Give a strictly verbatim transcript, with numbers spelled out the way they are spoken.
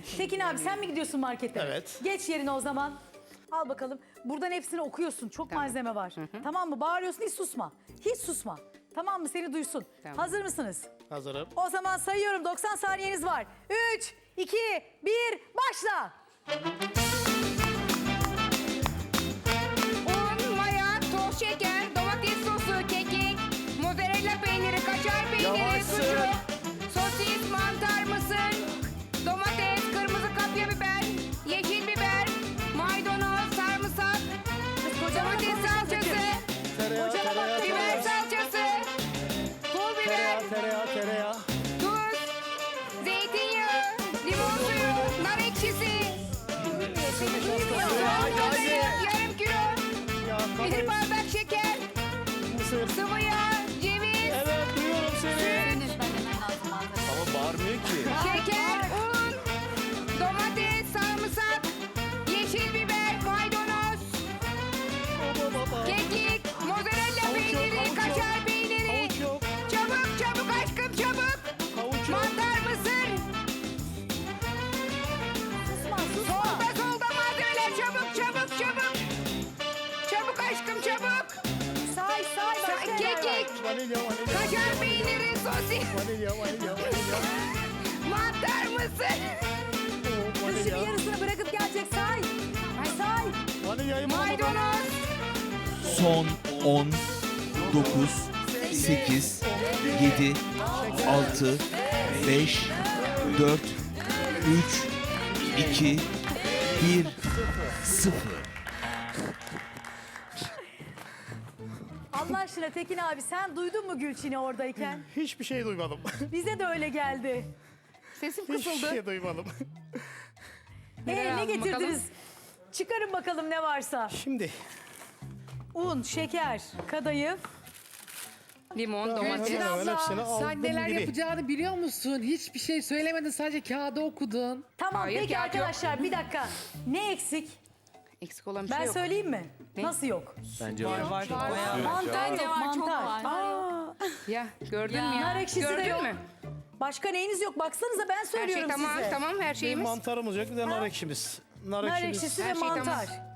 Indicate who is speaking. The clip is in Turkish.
Speaker 1: Tekin abi sen mi gidiyorsun markete?
Speaker 2: Evet.
Speaker 1: Geç yerine o zaman. Al bakalım. Buradan hepsini okuyorsun. Çok malzeme var. Tamam mı? Bağırıyorsun, hiç susma. Hiç susma. Tamam mı? Seni duysun.
Speaker 3: Tamam.
Speaker 1: Hazır mısınız?
Speaker 2: Hazırım.
Speaker 1: O zaman sayıyorum. doksan saniyeniz var. üç, iki, bir, başla.
Speaker 3: Un, maya, toz şeker, domates sosu, kekik, mozzarella peyniri, kaşar peyniri,
Speaker 2: Yavaşsın.
Speaker 3: sucuk, sosis, mantar, mısır, domates, kırmızı kapya biber, yeşil biber, maydanoz, sarımsak, domates salçası,
Speaker 2: Tereyağı,
Speaker 1: Hocama bak,
Speaker 2: tereyağı,
Speaker 3: biber
Speaker 2: tereyağı.
Speaker 3: salçası, pul biber,
Speaker 2: Tereyağı, tereyağı, tereyağı.
Speaker 3: tuz, zeytinyağı, limon suyu, nar ekşisi, soğan balığı, yarım kilo,
Speaker 2: Ya,
Speaker 3: bir
Speaker 2: kadayıf,
Speaker 3: bardak şeker,
Speaker 2: mısır.
Speaker 3: sıvı yağ, ceviz,
Speaker 2: Evet, duyuyorum seni.
Speaker 3: süt,
Speaker 2: Ama bağırmıyor ki.
Speaker 3: şeker, un, domates, sarımsak, yeşil biber, maydanoz,
Speaker 2: Baba baba.
Speaker 3: kekik, mozzarella
Speaker 2: Havuç yok,
Speaker 3: peyniri,
Speaker 2: havuç yok.
Speaker 3: kaşar peyniri.
Speaker 2: Havuç yok.
Speaker 3: Çabuk çabuk aşkım çabuk.
Speaker 2: Havuç yok.
Speaker 3: Mantar, mısır.
Speaker 1: Susma, susma.
Speaker 3: Solda solda malzemeler çabuk çabuk çabuk. Çabuk aşkım çabuk.
Speaker 1: Say, say. Başka
Speaker 3: Sa-
Speaker 1: neler var?
Speaker 3: Kekik,
Speaker 2: Vanilya, vanilya.
Speaker 3: kaşar peyniri, sosis,
Speaker 2: Vanilya, vanilya, vanilya.
Speaker 3: mantar, mısır.
Speaker 2: Oo,
Speaker 1: Kız şimdi
Speaker 2: vanilya.
Speaker 1: yarısını bırakıp gelecek. Say. Ay say.
Speaker 2: Vanilyayı bulamadım.
Speaker 3: Maydanoz.
Speaker 4: Son on, dokuz, sekiz, yedi, altı, beş, dört, üç, iki, bir, sıfır.
Speaker 1: Allah aşkına Tekin abi sen duydun mu Gülçin'i oradayken?
Speaker 2: Hiçbir şey duymadım.
Speaker 1: Bize de öyle geldi.
Speaker 3: Sesim
Speaker 2: Hiçbir
Speaker 3: kısıldı.
Speaker 2: şey duymadım.
Speaker 3: Neler
Speaker 1: Ee, ne
Speaker 3: aldın
Speaker 1: getirdiniz?
Speaker 3: bakalım?
Speaker 1: Çıkarın bakalım ne varsa.
Speaker 2: Şimdi
Speaker 1: Un, şeker, kadayıf.
Speaker 3: Limon,
Speaker 2: Hemen
Speaker 3: domates.
Speaker 2: hemen hepsini aldım
Speaker 5: Sen neler
Speaker 2: biri.
Speaker 5: yapacağını biliyor musun? Hiçbir şey söylemedin, sadece kağıda okudun.
Speaker 1: Tamam
Speaker 3: Hayır,
Speaker 1: peki
Speaker 3: kağıt yok.
Speaker 1: arkadaşlar bir dakika. Ne eksik?
Speaker 3: Eksik olan bir şey
Speaker 1: Ben
Speaker 3: yok.
Speaker 1: söyleyeyim mi?
Speaker 3: Ne?
Speaker 1: Nasıl yok?
Speaker 4: Bence var.
Speaker 1: Mantar yok, mantar. Aa,
Speaker 3: Ya gördün mü ya?
Speaker 1: nar ekşisi de
Speaker 3: Gördün
Speaker 1: yok.
Speaker 3: mü?
Speaker 1: Başka neyiniz yok? Baksanıza ben
Speaker 3: Her şey
Speaker 1: söylüyorum
Speaker 3: tamam
Speaker 1: size.
Speaker 3: tamam her
Speaker 2: Bir
Speaker 3: şeyimiz.
Speaker 2: mantarımız yok, bir de nar ekşimiz. Nar,
Speaker 1: Nar
Speaker 2: ekşimiz.
Speaker 1: ekşisi ve
Speaker 3: Her şey tamam.
Speaker 1: mantar.